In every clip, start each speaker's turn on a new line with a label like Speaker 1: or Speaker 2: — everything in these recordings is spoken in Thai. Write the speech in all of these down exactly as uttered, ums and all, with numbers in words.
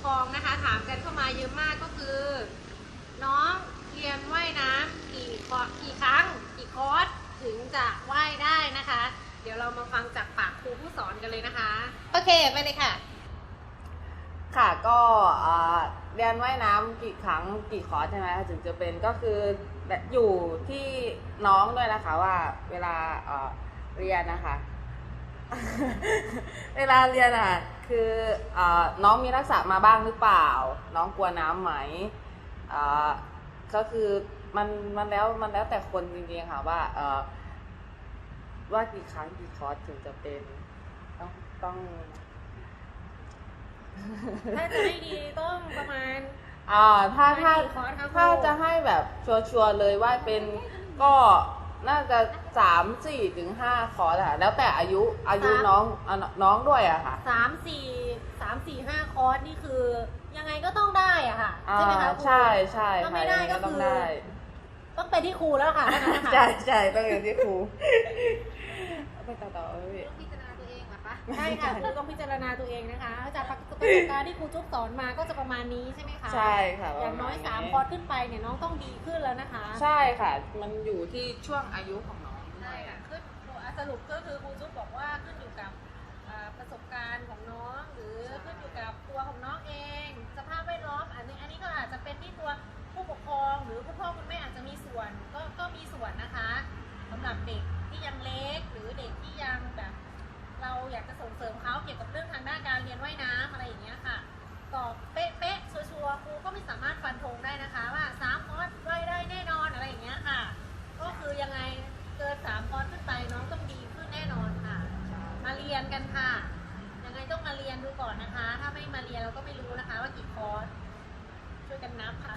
Speaker 1: ครองนะคะถามกันเข้ามาเยอะมากก็คือ น้องเรียนว่ายน้ำกี่คอร์สกี่ครั้งกี่คอร์สถึงจะว่ายได้นะคะ เดี๋ยวเรามาฟังจากปากครูผู้สอนกันเลยนะคะโอเคไปเลยค่ะ
Speaker 2: ค่ะก็เรียนว่ายน้ำกี่ครั้งกี่คอร์สใช่ไหมถึงจะเป็นก็คืออยู่ที่น้องด้วยนะคะว่าเวลาเรียนนะคะ เวลาเรียนอ่ะคืออน้องมีทักษะมาบ้างหรือเปล่าน้องกลัวน้ำไหมก็คือมันมันแล้วมันแล้วแต่คนจริงๆค่ะว่าว่ากี่ครั้งกี่คอร์สถึงจะเป็นต้องต้อง
Speaker 1: ถ้าจะให้ดีต้องประมาณ
Speaker 2: อ่าถ้าถ้าถ้าจะให้แบบชัวร์ๆเลยว่าเป็นก็น่าจะสามสี่ถึงห้าคอร์สค่ะแล้วแต่อายุอายุน้องน้องด้วยอะค่ะ
Speaker 1: สามสี่สามสี่ห้าคอร์สนี่คือยังไงก็ต้องได้อะค่ะใช่ไหมคะ
Speaker 2: ใช่ใช่
Speaker 1: ถ้าไม่ได้ก็คือต้องไปที่ครูแล้วค่ะ
Speaker 2: ใช่ใช่ต้องเป็นที่ครูไปต่อต่อเลย
Speaker 1: ต้องพิจารณาตัวเองเหรอคะใช่ค่ะครูต้องพิจารณาตัวเองนะคะจากประสบการณ์ที่ครูจุ๊บสอนมาก็จะประมาณนี้ใช่ไหมคะ
Speaker 2: ใช่ค่ะ
Speaker 1: อย่างน้อยสามคอร์สขึ้นไปเนี่ยน้องต้องดีขึ้นแล้วนะคะ
Speaker 2: ใช่ค่ะมันอยู่ที่ช่วงอายุของน้อง
Speaker 1: ใช่ค่ะขึ้นสรุปก็คือครูจุ๊บบอกว่าขึ้นอยู่กับประสบการณ์ของน้องหรือขึ้นอยู่กับตัวของน้องเองสภาพแวดล้อมอันนี้อันนี้ก็อาจจะเป็นที่ตัวผู้ปกครองหรือคุณพ่อคุณแม่อาจจะมีส่วนก็ก็มีส่วนนะคะสำหรับเด็กที่ยังเล็กหรือเด็กที่ยังแบบเราอยากจะส่งเสริมเขาเกี่ยวกับเรื่องทางด้านการเรียนว่ายน้ำอะไรอย่างเงี้ยค่ะตอบเป๊ะๆชัวร์ๆครูก็ไม่สามารถฟันธงได้นะคะว่าสามคอร์สว่ายได้แน่นอนอะไรอย่างเงี้ยค่ะก็คือยังไงเกินสามคอร์สขึ้นไปน้องต้องดีขึ้นแน่นอนค่ะมาเรียนกันค่ะยังไงต้องมาเรียนดูก่อนนะคะถ้าไม่มาเรียนเราก็ไม่รู้นะคะว่ากี่คอร์สช่วยกันนับค่ะ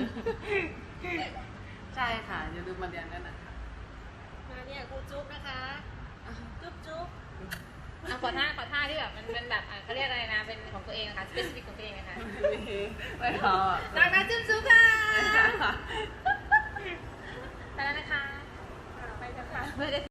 Speaker 2: ใช่ค่ะอย่าลืมมาเรียนด้วยนะคะ
Speaker 1: มาเนี่ยครูจุ๊บนะคะจุ๊บจุ๊บขอท่าขอท่าที่แบบมันเป็นแบบเขาเรียกอะไรนะเป็นของตัวเองนะคะ specific ของตัวเองนะคะ
Speaker 2: ไม่พอ
Speaker 1: ดังนั้นจุ๊บจุ๊บค่ะไปแล้วนะคะไปกันค่ะ